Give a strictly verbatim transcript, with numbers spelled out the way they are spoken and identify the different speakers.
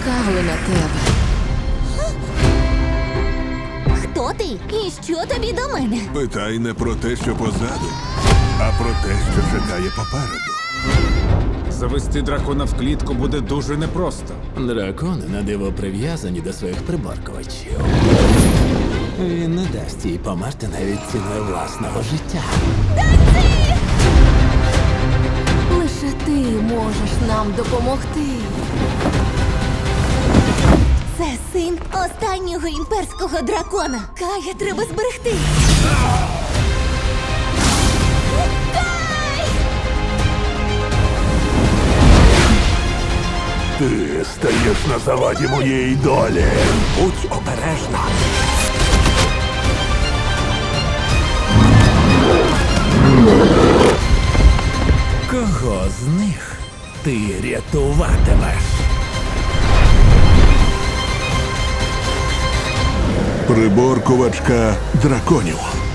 Speaker 1: чекали на тебе.
Speaker 2: Хто ти? І що тобі до мене?
Speaker 3: Питай не про те, що позаду, а про те, що чекає попереду.
Speaker 4: Завести дракона в клітку буде дуже непросто.
Speaker 5: Дракони на диво прив'язані до своїх приборкувачів. Він не дасть їй померти навіть ціною власного життя.
Speaker 1: Лише ти можеш нам допомогти.
Speaker 2: Це син останнього імперського дракона. Кая треба зберегти.
Speaker 3: Ти стаєш на заваді моєї долі.
Speaker 5: Будь обережна. Кого з них ти рятуватимеш?
Speaker 3: Приборкувачка драконів.